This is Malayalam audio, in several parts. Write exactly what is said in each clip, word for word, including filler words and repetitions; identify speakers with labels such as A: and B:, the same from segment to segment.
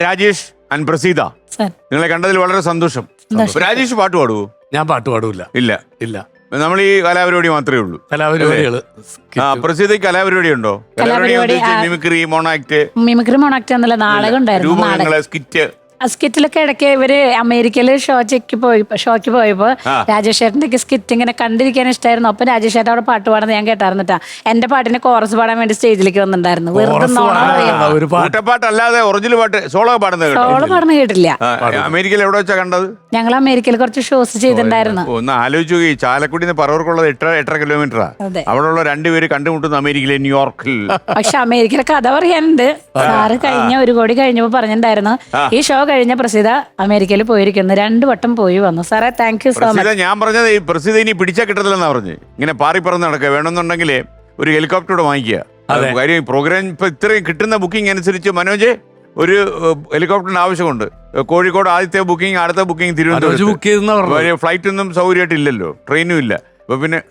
A: രാജേഷ് ആൻഡ് പ്രസീത, നിങ്ങളെ കണ്ടതിൽ വളരെ സന്തോഷം. രാജേഷ് പാട്ട് പാടുവോ?
B: ഞാൻ പാട്ട് പാടൂല.
A: ഇല്ല
B: ഇല്ല,
A: നമ്മൾ ഈ കലാപരിപാടി മാത്രമേ ഉള്ളൂ.
B: കലാപരിപാടികള്.
A: ആ, പ്രസീതയ്ക്ക് കലാപരിപാടി ഉണ്ടോ? കലാപരിപാടി മിമിക്രി, മോണാക്ട്.
C: മിമിക്രി മോണാക്ട് എന്നുള്ള നാടകം ഉണ്ടായിരുന്നു.
A: രൂപങ്ങള്, സ്കിറ്റ്.
C: സ്കിറ്റിലൊക്കെ ഇടയ്ക്ക് ഇവര് അമേരിക്കയില് ഷോയ്ക്ക് പോയി ഷോയ്ക്ക് പോയപ്പോ രാജേഷ് ചേട്ടന്റെ സ്കിറ്റ് ഇങ്ങനെ കണ്ടിരിക്കാൻ ഇഷ്ടമായിരുന്നു. അപ്പൊ രാജേഷ് ചേട്ടൻ അവിടെ പാട്ട് പാടുന്നത് ഞാൻ കേട്ടായിരുന്നിട്ടാ. എന്റെ പാട്ടിന് കോറസ് പാടാൻ വേണ്ടി സ്റ്റേജിലേക്ക് വന്നിട്ടുണ്ടായിരുന്നു. വെറുതെ
A: പാട്ടല്ലാതെ ഒറിജിനൽ പാട്ട് സോളോ പാടുന്നത്
C: സോളോ പാടുന്ന കേട്ടില്ല.
A: അമേരിക്കയിൽ എവിടെ വെച്ചാ കണ്ടത്?
C: ഞങ്ങൾ അമേരിക്കയിൽ കുറച്ച് ഷോസ് ചെയ്തിട്ടുണ്ടായിരുന്നു.
A: ഒന്ന് ആലോചിച്ചു, ഈ ചാലക്കുടിന്ന് പറവർക്കുള്ളത് എട്ടര എട്ടര കിലോമീറ്ററാ. അവിടെയുള്ള രണ്ടുപേര് കണ്ടുമുട്ടുന്ന അമേരിക്കയിലെ ന്യൂയോർക്കിൽ.
C: പക്ഷെ അമേരിക്കയിലെ കഥ പറയാനുണ്ട്. സാറ് കഴിഞ്ഞ ഒരു കോടി കഴിഞ്ഞപ്പോ പറഞ്ഞിട്ടുണ്ടായിരുന്നു ഈ ഷോ കഴിഞ്ഞ പ്രസീത അമേരിക്കയിൽ പോയിരിക്കുന്നു. രണ്ടു വട്ടം പോയി വന്നു. സാറേ താങ്ക് യു സോ മച്ച്.
A: ഞാൻ പറഞ്ഞത് ഈ പ്രസീത ഇനി പിടിച്ചാൽ കിട്ടത്തില്ലെന്നാ പറഞ്ഞു. ഇങ്ങനെ പാറി പറന്ന് നടക്കുക. വേണമെന്നുണ്ടെങ്കിൽ ഒരു ഹെലികോപ്റ്റർ വാങ്ങിക്കുക. കാര്യം പ്രോഗ്രാം ഇപ്പൊ ഇത്രയും കിട്ടുന്ന ബുക്കിംഗ് അനുസരിച്ച് മനോജ് ഒരു ഹെലികോപ്റ്ററിന് ആവശ്യമുണ്ട്. കോഴിക്കോട് ആദ്യത്തെ ബുക്കിംഗ്, അടുത്ത ബുക്കിംഗ് തിരുവനന്തപുരം. ഫ്ലൈറ്റ് ഒന്നും സൗകര്യമായിട്ട് ഇല്ലല്ലോ, ട്രെയിനും ഇല്ല. അപ്പൊ പിന്നെ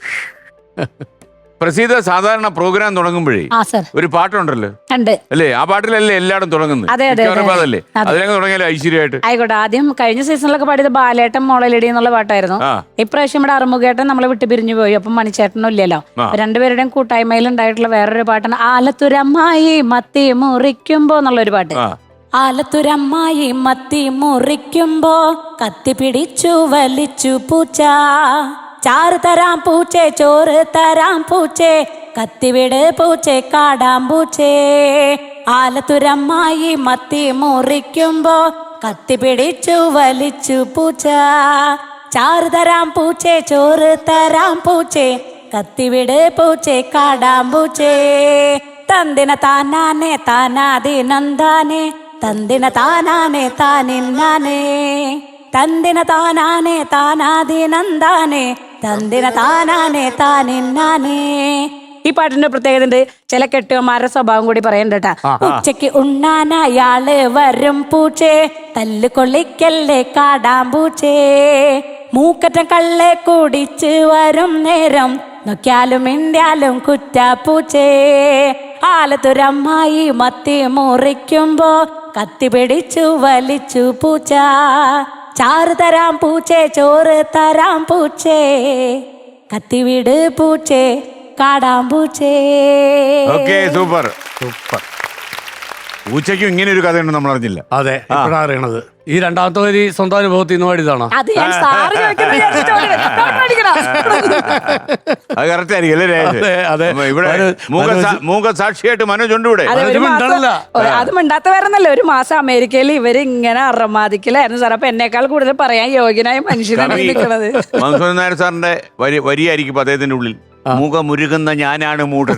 A: പ്രസീത സാധാരണ പ്രോഗ്രാം തുടങ്ങുമ്പോഴേ ഒരു പാട്ടുണ്ടല്ലോ അല്ലേ? ആ പാട്ടിലല്ലേ എല്ലായിടും തുടങ്ങുന്നത്? അതല്ലേ അതിലങ്ങ് തുടങ്ങിയാലോ ഐശ്വര്യമായിട്ട്.
C: ആയിക്കോട്ടെ. ആദ്യം കഴിഞ്ഞ സീസണിലൊക്കെ പാടിയത് ബാലേട്ടൻ മോളലടി എന്നുള്ള പാട്ടായിരുന്നു. ഇപ്രാവശ്യം ഇവിടെ അറുമുഖേട്ടൻ നമ്മളെ വിട്ട് പിരിഞ്ഞു പോയി. അപ്പം മണിച്ചേട്ടനും ഇല്ലല്ലോ. രണ്ടുപേരുടെയും കൂട്ടായ്മയിൽ ഉണ്ടായിട്ടുള്ള വേറൊരു പാട്ടാണ് ആലത്തുരമ്മായി മത്തി മുറിക്കുമ്പോ എന്നുള്ളൊരു പാട്ട്. ആലത്തുരമ്മായി മത്തി മുറിക്കുമ്പോ കത്തി പിടിച്ചു വലിച്ചു പൂച്ച, ചാറ് തരാം പൂച്ചേ ചോറ് തരാം പൂച്ചേ, കത്തിവിട് പൂച്ചേ കാടാം പൂച്ചേ. ആലത്തുരമ്മായി മത്തി മുറിക്കുമ്പോ കത്തി പിടിച്ചു വലിച്ചു പൂച്ച, ചാറ് തരാം പൂച്ചേ ചോറ് തരാം പൂച്ചേ, കത്തിവിട് പൂച്ചേ കാടാം പൂച്ചേ. തന്തിന താനാനെ താനാദിനന്ദാനെ, തന്തിന താനാനെ താനിന്നാനേ, തന്തിന താനാനെ താനാദിനന്ദാനെ, തന്തിന താനാനെ താനിന്നാനേ. ഈ പാട്ടിന്റെ പ്രത്യേകത ഉണ്ട്. ചില കെട്ടുകന്മാരുടെ സ്വഭാവം കൂടി പറയണ്ടട്ടാ. ഉച്ചക്ക് ഉണ്ണാനയാള് വരും പൂച്ചേ, തല്ല് കൊള്ളിക്കല്ലേ കാടാം പൂച്ചേ, മൂക്കറ്റം കള്ളെ കുടിച്ച് വരും നേരം നോക്കിയാലും ഇന്ത്യാലും കുറ്റാപ്പൂച്ചേ. ആലത്തുരമ്മായി മത്തി മുറിക്കുമ്പോ കത്തി പിടിച്ചു വലിച്ചു പൂച്ച, ചാറ് തരാം പൂച്ചേ ചോറ് തരാം പൂച്ചേ, കത്തിവിട് പൂച്ചേ കാടാം പൂച്ചേ.
A: Okay, super super. പൂച്ചയ്ക്കും ഇങ്ങനെ ഒരു കഥയുണ്ട്, നമ്മൾ അറിഞ്ഞില്ല.
B: അതെ, ഇപ്പോഴാണ് അറിയണത്. ഈ രണ്ടാമത്തെ വരി സ്വന്തം അനുഭവത്തിൽ നിന്ന് പാടിയതാണോ?
A: അത് കറക്റ്റ് ആയിരിക്കും അല്ലേ? ഇവിടെ മൂകസാക്ഷിയായിട്ട് മനോജ് ഉണ്ട് ഇവിടെ.
C: അത് മിണ്ടാത്ത വേറെന്നല്ല. ഒരു മാസം അമേരിക്കയിൽ ഇവര് ഇങ്ങനെ അറമാദിക്കലായിരുന്നു സാർ. അപ്പൊ എന്നേക്കാൾ കൂടുതൽ പറയാൻ യോഗ്യനായ മനുഷ്യനാണ് നിൽക്കുന്നത്.
A: മധുസൂദൻ നായർ സാറിന്റെ വരി വരിയായിരിക്കും അദ്ദേഹത്തിന്റെ ഉള്ളിൽ. മുഖമുരുകുന്ന ഞാനാണ് മൂട്.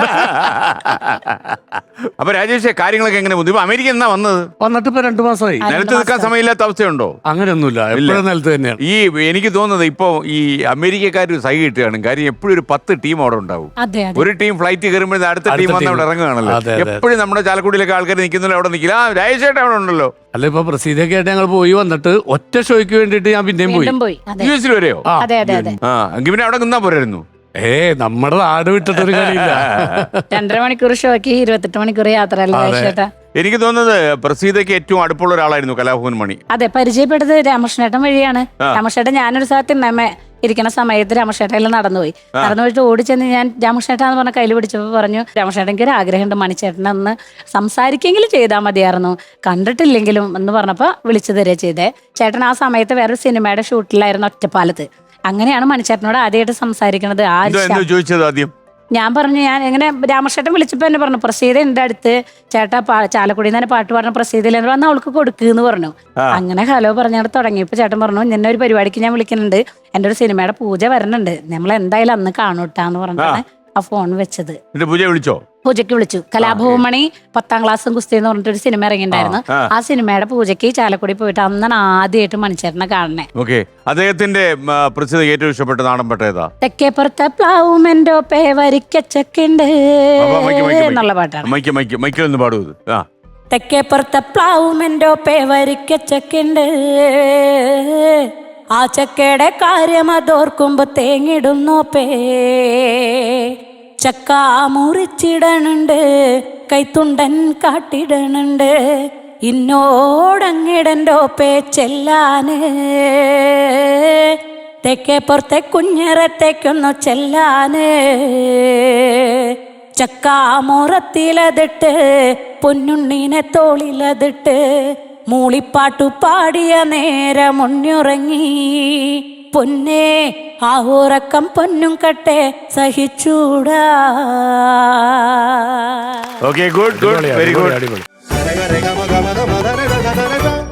A: അപ്പൊ രാജേഷ്, കാര്യങ്ങളൊക്കെ എങ്ങനെ ബുദ്ധിമുട്ട്? അമേരിക്ക എന്നാ വന്നത്?
B: വന്നിട്ട് ഇപ്പൊ രണ്ടു മാസമായി.
A: നിലത്ത് നിൽക്കാൻ സമയമില്ലാത്ത അവസ്ഥയുണ്ടോ?
B: അങ്ങനെയൊന്നുമില്ല, എപ്പോഴും നിലത്ത് തന്നെയാണ്.
A: ഈ എനിക്ക് തോന്നുന്നത് ഇപ്പൊ ഈ അമേരിക്കക്കാർ സൈ കിട്ടുകയാണ്. കാര്യം എപ്പോഴും ഒരു പത്ത് ടീം അവിടെ ഉണ്ടാവും. ഒരു ടീം ഫ്ലൈറ്റ് കയറുമ്പോഴേ അടുത്ത ടീം വന്ന് അവിടെ ഇറങ്ങുകയാണല്ലോ. എപ്പോഴും നമ്മുടെ ചാലക്കുടിയിലൊക്കെ ആൾക്കാർ നിൽക്കുന്നില്ല, അവിടെ നിൽക്കില്ല. ആ രാജേഷേട്ടൻ അവിടെ ഉണ്ടല്ലോ.
B: അല്ല, ഇപ്പൊ പ്രസീതൊക്കെ ആയിട്ട് ഞങ്ങൾ പോയി വന്നിട്ട് ഒറ്റ ഷോയ്ക്ക് വേണ്ടിട്ട് ഞാൻ പിന്നെയും പോയി.
A: യു എസിൽ വരെയോ? ആ, എങ്കിൽ പിന്നെ അവിടെ നിന്നാ പോരായിരുന്നു.
B: ഏ നമ്മുടെ നാട് വിട്ടിട്ടൊരു കളിയില്ല.
C: രണ്ടര മണിക്കൂർ ഷോയ്ക്ക് ഇരുപത്തെട്ട് മണിക്കൂർ യാത്ര അല്ലേ?
A: എനിക്ക് തോന്നുന്നത് പ്രസീതയ്ക്ക് ഏറ്റവും അടുപ്പുള്ള ഒരാളായിരുന്നു കലാഭവൻ മണി.
C: അതെ, പരിചയപ്പെട്ടത് രാമകൃഷ്ണേട്ടൻ വഴിയാണ്. രാമകൃഷ്ണേട്ടൻ ഞാനൊരു സ്ഥലത്ത് നമ്മെ ഇരിക്കുന്ന സമയത്ത് രാമകൃഷ്ണേട്ടൻ നടന്നുപോയി. നടന്നു പോയിട്ട് ഓടിച്ചെന്ന് ഞാൻ രാമകൃഷ്ണേട്ടാന്ന് പറഞ്ഞ കയ്യിൽ പിടിച്ചപ്പോൾ പറഞ്ഞു, രാമകൃഷ്ണേട്ടൻ എനിക്ക് ഒരു ആഗ്രഹമുണ്ട്, മണിച്ചേട്ടനെ ഒന്ന് സംസാരിക്കെങ്കിലും ചെയ്താൽ മതിയായിരുന്നു, കണ്ടിട്ടില്ലെങ്കിലും എന്ന് പറഞ്ഞപ്പോൾ വിളിച്ചു തരിക ചെയ്തേ. ചേട്ടൻ ആ സമയത്ത് വേറൊരു സിനിമയുടെ ഷൂട്ടിലായിരുന്നു ഒറ്റപ്പാലത്ത്. അങ്ങനെയാണ് മണിച്ചേട്ടനോട് ആദ്യമായിട്ട് സംസാരിക്കണത്.
A: ആദ്യം
C: ഞാൻ പറഞ്ഞു, ഞാൻ എങ്ങനെ രാമകൃഷ്ണേട്ടൻ വിളിച്ചപ്പോൾ എന്നെ പറഞ്ഞു, പ്രസീത എൻ്റെ അടുത്ത് ചേട്ടാ ചാലക്കുടിയിൽ നിന്ന് തന്നെ പാട്ട് പറഞ്ഞ പ്രസീതയില്ല വന്ന് അവൾക്ക് കൊടുക്കുന്ന് പറഞ്ഞു. അങ്ങനെ ഹലോ പറഞ്ഞാൽ തുടങ്ങിയപ്പോൾ ചേട്ടൻ പറഞ്ഞു, നിന്നെ ഒരു പരിപാടിക്ക് ഞാൻ വിളിക്കുന്നുണ്ട്, എൻ്റെ ഒരു സിനിമയുടെ പൂജ വരണുണ്ട്, നമ്മൾ എന്തായാലും അന്ന് കാണൂട്ടാന്ന് പറഞ്ഞാണ് ആ ഫോൺ വെച്ചത്.
A: പൂജ വിളിച്ചോ?
C: പൂജയ്ക്ക് വിളിച്ചു. കലാഭവമണി പത്താം ക്ലാസ്സും കുസ്തി എന്ന് പറഞ്ഞിട്ടൊരു സിനിമ ഇറങ്ങിയിട്ടുണ്ടായിരുന്നു. ആ സിനിമയുടെ പൂജയ്ക്ക് ചാലക്കുടി പോയിട്ട് അന്നാണ് ആദ്യമായിട്ട് മണിച്ചേട്ടനെ കാണണേ.
A: അദ്ദേഹത്തിന്റെ ഏറ്റവും ഇഷ്ടപ്പെട്ട നാടൻ പാട്ട് ഏതാ?
C: തെക്കേപ്പുറത്തെ പ്ലാവുമെന്റോ പേ വരിക്കച്ചക്കുണ്ട് എന്നുള്ള പാട്ടാണ്.
A: പാടൂ.
C: തെക്കേപ്പുറത്തെ പ്ലാവുമെന്റോ പേ വരിക്കച്ചക്കുണ്ട്, ആ ചക്കയുടെ കാര്യം അതോർക്കുമ്പോ തേങ്ങിടുന്നോ പേ, ചക്ക മുറിച്ചിടണുണ്ട്, കൈത്തുണ്ടൻ കാട്ടിടണുണ്ട്, ഇന്നോടങ്ങിടൻ്റെ പേച്ചെല്ലാന് തെക്കേ പുറത്തെ കുഞ്ഞിറത്തേക്കൊന്നു ചെല്ലാന് ചക്കാമുറത്തിലതിട്ട് പൊന്നുണ്ണീനെ തോളിലതിട്ട് മൂളിപ്പാട്ടു പാടിയ നേരം ഉണ്ണുറങ്ങി പൊന്നേ ആ ഉറക്കം പൊന്നും കട്ടെ സഹിച്ചൂടാ.
A: Okay, good good very good.
B: അടിപൊളി.
D: Rega, rega, maga, maga, maga, rega, rega, rega.